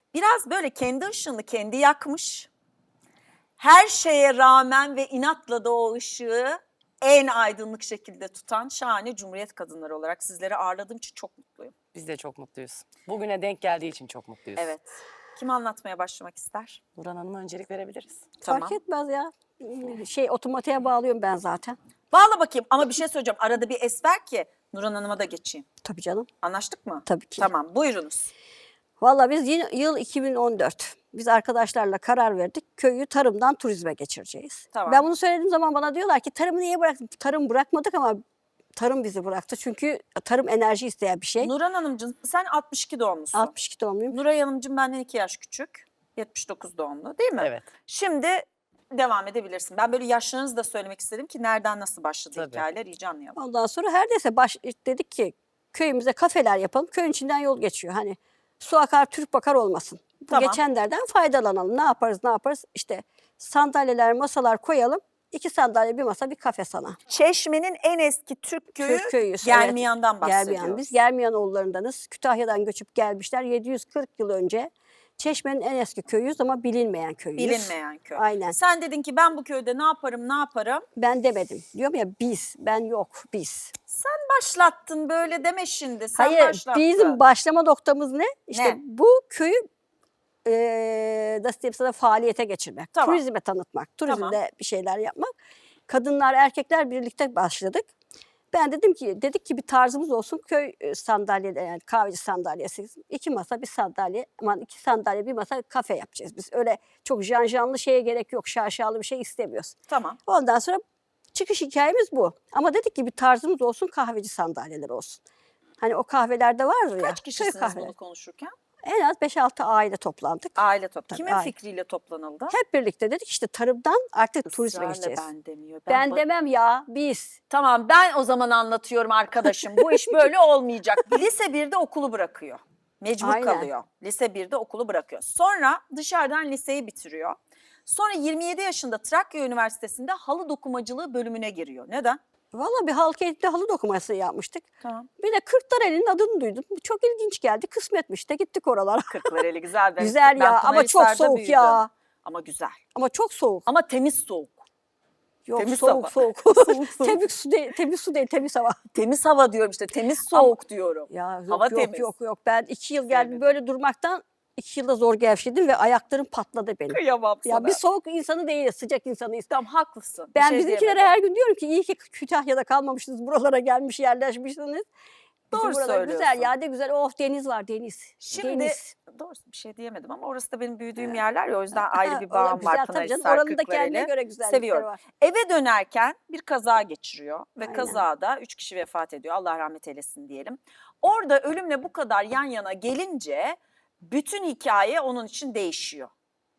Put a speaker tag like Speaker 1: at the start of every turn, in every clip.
Speaker 1: Biraz böyle kendi ışığını kendi yakmış. Her şeye rağmen ve inatla da o ışığı en aydınlık şekilde tutan şahane Cumhuriyet kadınları olarak sizleri ağırladığım için çok mutluyum.
Speaker 2: Biz de çok mutluyuz. Bugüne denk geldiği için çok mutluyuz.
Speaker 1: Evet. Kim anlatmaya başlamak ister?
Speaker 2: Nurhan Hanım'a öncelik verebiliriz.
Speaker 1: Tamam.
Speaker 3: Fark etmez ya. Otomatiğe bağlıyorum ben zaten.
Speaker 1: Bağla bakayım ama bir şey söyleyeceğim. Arada bir es ver ki Nurhan Hanım'a da geçeyim.
Speaker 3: Tabii canım.
Speaker 1: Anlaştık mı?
Speaker 3: Tabii ki.
Speaker 1: Tamam, buyurunuz.
Speaker 3: Vallahi biz yıl 2014. Biz arkadaşlarla karar verdik. Köyü tarımdan turizme geçireceğiz.
Speaker 1: Tamam.
Speaker 3: Ben bunu söylediğim zaman bana diyorlar ki tarımı niye bıraktık? Tarım bırakmadık ama tarım bizi bıraktı. Çünkü tarım enerji isteyen bir şey.
Speaker 1: Nurhan Hanımcığım sen 62 doğumlusun.
Speaker 3: 62 doğumluyum.
Speaker 1: Nuray Hanımcığım benden 2 yaş küçük. 79 doğumlu değil mi?
Speaker 2: Evet.
Speaker 1: Şimdi devam edebilirsin. Ben böyle yaşlarınızı da söylemek istedim ki nereden nasıl başladı
Speaker 2: Tabii.
Speaker 1: hikayeler iyice anlayalım.
Speaker 3: Ondan sonra her neyse dedik ki köyümüze kafeler yapalım. Köyün içinden yol geçiyor. Hani su akar Türk bakar olmasın. Bu
Speaker 1: Tamam.
Speaker 3: geçenlerden faydalanalım. Ne yaparız? İşte sandalyeler, masalar koyalım. 2 sandalye, bir masa, bir kafe sana.
Speaker 1: Çeşme'nin en eski Türk köyü
Speaker 3: Türk köyü.
Speaker 1: Germiyan'dan bahsediyoruz.
Speaker 3: Germiyan. Biz Germiyanoğullarındanız. Kütahya'dan göçüp gelmişler. 740 yıl önce. Çeşme'nin en eski köyüyüz ama bilinmeyen köyüyüz.
Speaker 1: Bilinmeyen köy.
Speaker 3: Aynen.
Speaker 1: Sen dedin ki ben bu köyde ne yaparım?
Speaker 3: Ben demedim. Diyorum ya biz. Ben yok. Biz.
Speaker 1: Sen başlattın böyle deme şimdi. Sen
Speaker 3: Hayır.
Speaker 1: başlattın.
Speaker 3: Bizim başlama noktamız ne? İşte
Speaker 1: Ne?
Speaker 3: bu köyü nasıl diyeyim sana faaliyete geçirmek.
Speaker 1: Tamam.
Speaker 3: Turizme tanıtmak. Turizmde
Speaker 1: Tamam.
Speaker 3: bir şeyler yapmak. Kadınlar, erkekler birlikte başladık. Ben dedik ki bir tarzımız olsun. Köy sandalyeleri, yani kahveci sandalyesi. 2 masa, bir sandalye. Aman 2 sandalye, bir masa, kafe yapacağız biz. Öyle çok janjanlı şeye gerek yok. Şaşalı bir şey istemiyoruz.
Speaker 1: Tamam.
Speaker 3: Ondan sonra çıkış hikayemiz bu. Ama dedik ki bir tarzımız olsun, kahveci sandalyeler olsun. Hani o kahvelerde vardır ya.
Speaker 1: Kaç
Speaker 3: köy
Speaker 1: kişisiniz
Speaker 3: kahveleri.
Speaker 1: bunu konuşurken?
Speaker 3: En az 5-6 aile toplandık.
Speaker 1: Aile toplandı. Kimin
Speaker 3: aile.
Speaker 1: fikriyle toplanıldı?
Speaker 3: Hep birlikte dedik işte tarımdan artık turizme
Speaker 1: Israrla
Speaker 3: geçeceğiz.
Speaker 1: ben demiyor.
Speaker 3: Ben demem ya, biz.
Speaker 1: Tamam ben o zaman anlatıyorum arkadaşım. Bu iş böyle olmayacak. Lise 1'de okulu bırakıyor. Mecbur
Speaker 3: Aynen.
Speaker 1: kalıyor. Lise 1'de okulu bırakıyor. Sonra dışarıdan liseyi bitiriyor. Sonra 27 yaşında Trakya Üniversitesi'nde halı dokumacılığı bölümüne giriyor. Neden?
Speaker 3: Valla bir halk eğitimde halı dokuması yapmıştık.
Speaker 1: Tamam.
Speaker 3: Bir de Kırklareli'nin adını duydum. Çok ilginç geldi. Kısmetmiş de gittik oralara.
Speaker 1: Kırklareli güzel.
Speaker 3: Güzel
Speaker 1: Ben
Speaker 3: ya ama çok
Speaker 1: Pınarhisar'da
Speaker 3: soğuk
Speaker 1: büyüdüm.
Speaker 3: ya.
Speaker 1: Ama güzel.
Speaker 3: Ama çok soğuk.
Speaker 1: Ama temiz soğuk.
Speaker 3: Yok
Speaker 1: temiz
Speaker 3: soğuk
Speaker 1: hava.
Speaker 3: soğuk.
Speaker 1: Soğuk, soğuk.
Speaker 3: Temiz su değil, temiz hava.
Speaker 1: Temiz hava diyorum işte. Temiz soğuk diyorum.
Speaker 3: Ya yok
Speaker 1: Hava
Speaker 3: yok,
Speaker 1: temiz.
Speaker 3: yok. Ben 2 yıl geldim
Speaker 1: Sevmedim.
Speaker 3: böyle durmaktan 2 yılda zor gevşedim ve ayaklarım patladı benim.
Speaker 1: Kıyamam sana.
Speaker 3: Ya bir soğuk insanı değiliz, sıcak insanıyız.
Speaker 1: Tamam haklısın. Bir
Speaker 3: Ben
Speaker 1: şey
Speaker 3: bizimkilere
Speaker 1: diyemedim.
Speaker 3: her gün diyorum ki iyi ki Kütahya'da kalmamışsınız, buralara gelmiş, yerleşmişsiniz. Bizim
Speaker 1: Doğru
Speaker 3: buralar
Speaker 1: söylüyorsun.
Speaker 3: güzel ya, ne güzel. Oh deniz var, deniz.
Speaker 1: Şimdi
Speaker 3: Deniz.
Speaker 1: doğrusu bir şey diyemedim ama orası da benim büyüdüğüm yerler ya o yüzden ayrı bir
Speaker 3: O da
Speaker 1: bağım
Speaker 3: güzel
Speaker 1: var
Speaker 3: tabii canım.
Speaker 1: Pınarhisar,
Speaker 3: Oranın da kendine
Speaker 1: Kırklareli.
Speaker 3: göre güzellikleri
Speaker 1: Seviyorum.
Speaker 3: var.
Speaker 1: Eve dönerken bir kaza geçiriyor ve
Speaker 3: Aynen.
Speaker 1: kazada 3 kişi vefat ediyor. Allah rahmet eylesin diyelim. Orada ölümle bu kadar yan yana gelince bütün hikaye onun için değişiyor.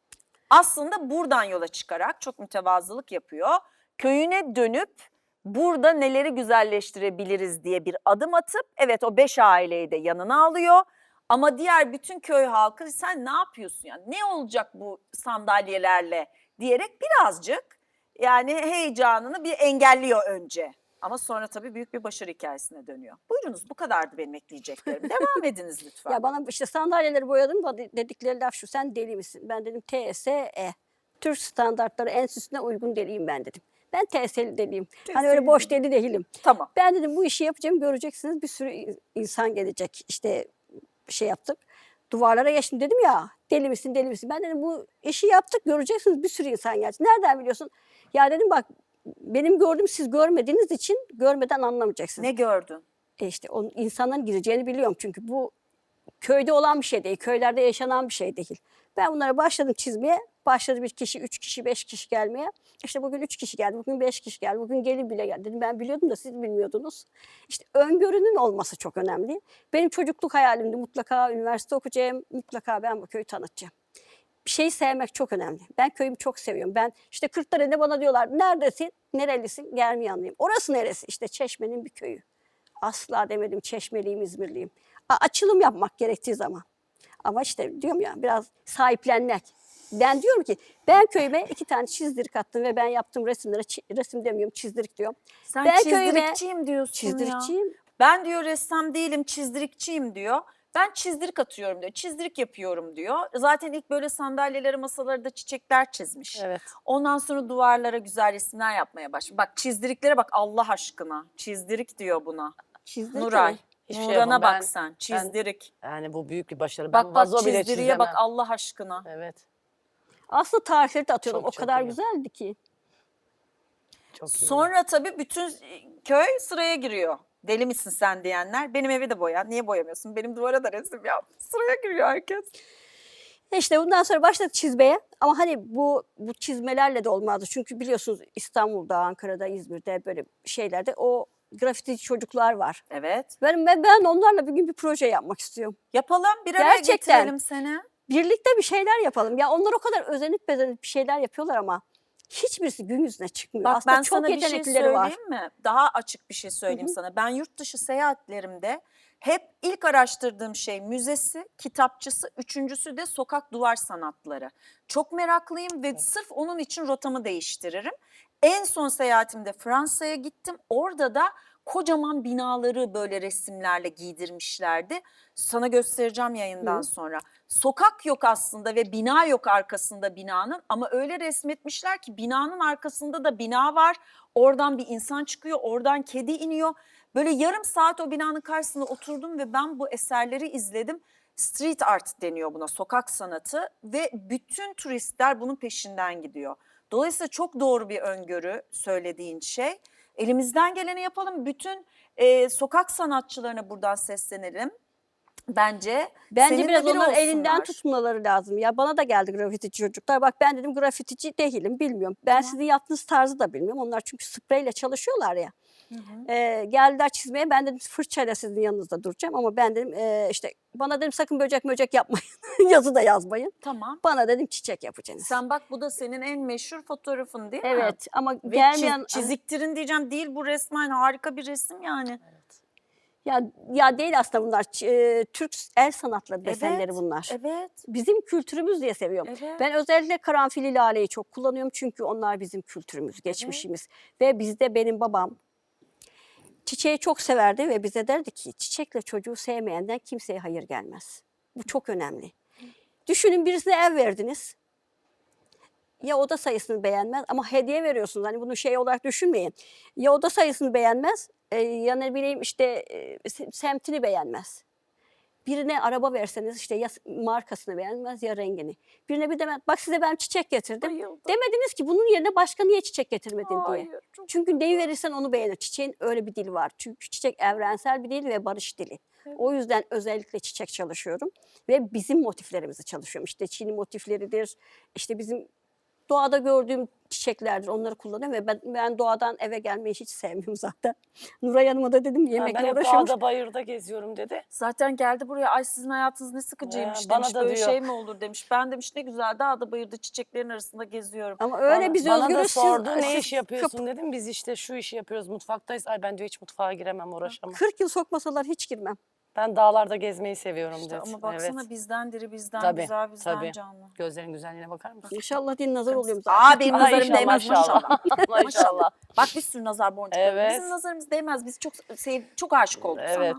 Speaker 1: Aslında buradan yola çıkarak çok mütevazılık yapıyor. Köyüne dönüp burada neleri güzelleştirebiliriz diye bir adım atıp evet o 5 aileyi de yanına alıyor. Ama diğer bütün köy halkı sen ne yapıyorsun yani ne olacak bu sandalyelerle diyerek birazcık yani heyecanını bir engelliyor önce. Ama sonra tabii büyük bir başarı hikayesine dönüyor. Buyurunuz bu kadardı benim ekleyeceklerim. Devam ediniz lütfen.
Speaker 3: Ya bana işte sandalyeleri boyadım da dedikleri laf şu, sen deli misin? Ben dedim TSE. Türk standartları enstitüsüne uygun deliyim ben dedim. Ben TSE'li deliyim. Hani öyle boş deli değilim.
Speaker 1: Tamam.
Speaker 3: Ben dedim bu işi yapacağım, göreceksiniz, bir sürü insan gelecek. İşte şey yaptık. Duvarlara geçtim, dedim ya deli misin deli misin? Ben dedim bu işi yaptık, göreceksiniz, bir sürü insan gelecek. Nereden biliyorsun? Ya dedim bak benim gördüğüm siz görmediğiniz için görmeden anlamayacaksınız.
Speaker 1: Ne gördün?
Speaker 3: İşte onun insanların gireceğini biliyorum çünkü bu köyde olan bir şey değil, köylerde yaşanan bir şey değil. Ben bunlara başladım çizmeye, başladı 1 kişi, 3 kişi, 5 kişi gelmeye. İşte bugün 3 kişi geldi, bugün 5 kişi geldi, bugün gelin bile geldi. Dedim ben biliyordum da siz bilmiyordunuz. İşte öngörünün olması çok önemli. Benim çocukluk hayalimdi, mutlaka üniversite okuyacağım, mutlaka ben bu köyü tanıtacağım. Bir şeyi sevmek çok önemli. Ben köyümü çok seviyorum. Ben işte Kırklareli'de bana diyorlar neredesin, nerelisin? Germiyanlıyım. Orası neresi? İşte Çeşme'nin bir köyü. Asla demedim Çeşmeliyim, İzmirliyim. Açılım yapmak gerektiği zaman. Ama işte diyorum ya biraz sahiplenmek. Ben diyorum ki ben köyüme 2 tane çizdirik attım ve ben yaptığım resimlere resim demiyorum çizdirik diyorum.
Speaker 1: Sen
Speaker 3: Ben
Speaker 1: çizdirikçiyim diyorsun ya.
Speaker 3: Çizdirikçiyim.
Speaker 1: Ben diyor ressam değilim çizdirikçiyim diyor. Ben çizdirik atıyorum diyor. Çizdirik yapıyorum diyor. Zaten ilk böyle sandalyeleri, masaları da çiçekler çizmiş.
Speaker 2: Evet.
Speaker 1: Ondan sonra duvarlara güzel resimler yapmaya başladı. Bak çizdiriklere bak Allah aşkına. Çizdirik diyor buna.
Speaker 3: Çizdik
Speaker 1: Nuray.
Speaker 3: mi?
Speaker 2: Hiçbir şey
Speaker 1: Nurhan'a
Speaker 2: yapamam.
Speaker 1: bak
Speaker 2: Ben-
Speaker 1: sen. Çizdirik.
Speaker 2: Yani bu büyük bir başarı.
Speaker 1: Bak
Speaker 2: Ben
Speaker 1: bak
Speaker 2: vazo bile
Speaker 1: çizdiriye bak
Speaker 2: çizemem.
Speaker 1: Allah aşkına.
Speaker 2: Evet.
Speaker 3: Aslında tarifleri de atıyordum.
Speaker 2: Çok,
Speaker 3: O
Speaker 2: çok
Speaker 3: kadar
Speaker 2: iyi.
Speaker 3: güzeldi ki.
Speaker 2: Çok iyi.
Speaker 1: Sonra tabii bütün köy sıraya giriyor. Deli misin sen diyenler. Benim evi de boya. Niye boyamıyorsun? Benim duvara da resim yap. Sıraya giriyor herkes.
Speaker 3: İşte bundan sonra başladık çizmeye. Ama hani bu çizmelerle de olmazdı. Çünkü biliyorsunuz İstanbul'da, Ankara'da, İzmir'de böyle şeylerde o grafitici çocuklar var.
Speaker 1: Evet.
Speaker 3: Ben onlarla bir gün bir proje yapmak istiyorum.
Speaker 1: Yapalım. Bir araya
Speaker 3: Gerçekten.
Speaker 1: getirelim seni.
Speaker 3: Birlikte bir şeyler yapalım. Ya onlar o kadar özenip bezenip bir şeyler yapıyorlar ama hiçbirisi gün yüzüne çıkmıyor.
Speaker 1: Bak
Speaker 3: Aslında
Speaker 1: ben
Speaker 3: çok
Speaker 1: sana bir şey
Speaker 3: yeteneklileri
Speaker 1: söyleyeyim
Speaker 3: var.
Speaker 1: mi? Daha açık bir şey söyleyeyim sana. Ben yurt dışı seyahatlerimde hep ilk araştırdığım şey müzesi, kitapçısı, üçüncüsü de sokak duvar sanatları. Çok meraklıyım ve sırf onun için rotamı değiştiririm. En son seyahatimde Fransa'ya gittim. Orada da kocaman binaları böyle resimlerle giydirmişlerdi. Sana göstereceğim yayından sonra. Sokak yok aslında ve bina yok arkasında binanın ama öyle resmetmişler ki binanın arkasında da bina var. Oradan bir insan çıkıyor, oradan kedi iniyor. Böyle yarım saat o binanın karşısında oturdum ve ben bu eserleri izledim. Street art deniyor buna, sokak sanatı ve bütün turistler bunun peşinden gidiyor. Dolayısıyla çok doğru bir öngörü söylediğin şey. Elimizden geleni yapalım. Bütün sokak sanatçılarına buradan seslenelim. Bence senin de
Speaker 3: biraz
Speaker 1: biri
Speaker 3: onların elinden
Speaker 1: olsunlar.
Speaker 3: tutmaları lazım. Ya bana da geldi grafitici çocuklar. Bak ben dedim grafitici değilim, bilmiyorum. Ben sizin yaptığınız tarzı da bilmiyorum. Onlar çünkü spreyle çalışıyorlar ya. Geldiler çizmeye. Ben dedim fırçayla sizin yanınızda duracağım ama ben dedim işte bana dedim sakın böcek yapmayın. Yazı da yazmayın.
Speaker 1: Tamam.
Speaker 3: Bana dedim çiçek yapacaksınız.
Speaker 1: Sen bak bu da senin en meşhur fotoğrafın değil mi?
Speaker 3: Evet ama
Speaker 1: Ve
Speaker 3: gelmeyen
Speaker 1: çiziktirin diyeceğim değil, bu resmen harika bir resim yani.
Speaker 3: ya değil aslında bunlar Türk el sanatları desenleri bunlar.
Speaker 1: Evet.
Speaker 3: Bizim kültürümüz diye seviyorum.
Speaker 1: Evet.
Speaker 3: Ben özellikle karanfili laleyi çok kullanıyorum çünkü onlar bizim kültürümüz, geçmişimiz. Ve bizde benim babam çiçeği çok severdi ve bize derdi ki çiçekle çocuğu sevmeyenden kimseye hayır gelmez. Bu çok önemli. Düşünün birisine ev verdiniz. Ya oda sayısını beğenmez ama hediye veriyorsunuz. Hani bunu şey olarak düşünmeyin. Ya oda sayısını beğenmez ya ne bileyim işte semtini beğenmez. Birine araba verseniz işte ya markasını beğenmez ya rengini. Birine bir demez bak size ben çiçek getirdim.
Speaker 1: Bayıldım.
Speaker 3: Demediniz ki bunun yerine başka niye çiçek getirmedin diye.
Speaker 1: Hayır, çok
Speaker 3: Çünkü neyi verirsen onu beğenir. Çiçeğin öyle bir dili var. Çünkü çiçek evrensel bir dil ve barış dili. O yüzden özellikle çiçek çalışıyorum. Ve bizim motiflerimizi çalışıyorum. İşte Çin'i motifleridir. İşte bizim doğada gördüğüm çiçeklerdir. Onları kullanıyorum ve ben doğadan eve gelmeyi hiç sevmiyorum zaten. Nuray Hanım'a da dedim
Speaker 2: Ben
Speaker 3: yemekle
Speaker 2: hep
Speaker 3: uğraşıyormuş.
Speaker 2: dağda bayırda geziyorum dedi.
Speaker 1: Zaten geldi buraya ay sizin hayatınız ne sıkıcıymış
Speaker 2: Ya, bana
Speaker 1: demiş.
Speaker 2: da
Speaker 1: Böyle
Speaker 2: diyor.
Speaker 1: şey mi olur demiş. Ben demiş ne güzel dağda bayırda çiçeklerin arasında geziyorum.
Speaker 3: Ama öyle biz
Speaker 2: Bana da
Speaker 3: özgürüz.
Speaker 2: sordu ne
Speaker 3: siz
Speaker 2: iş yapıyorsun dedim. Biz işte şu işi yapıyoruz mutfaktayız. Ay ben diyor hiç mutfağa giremem uğraşamam.
Speaker 3: 40 yıl sokmasalar hiç girmem.
Speaker 2: Ben dağlarda gezmeyi seviyorum
Speaker 1: İşte
Speaker 2: dedi.
Speaker 1: ama baksana
Speaker 2: Evet.
Speaker 1: bizden diri bizden
Speaker 2: Tabii,
Speaker 1: güzel bizden
Speaker 2: tabii.
Speaker 1: canlı.
Speaker 2: Gözlerin güzelliğine bakar mısın?
Speaker 3: İnşallah din nazar oluyorum zaten.
Speaker 1: Aa benim
Speaker 2: Ay,
Speaker 1: nazarım
Speaker 2: inşallah,
Speaker 1: değmez
Speaker 2: maşallah.
Speaker 1: maşallah.
Speaker 2: Maşallah.
Speaker 1: Bak bir sürü nazar boncukları.
Speaker 2: Evet.
Speaker 1: Bizim nazarımız değmez. Biz çok aşık olduk
Speaker 2: Evet.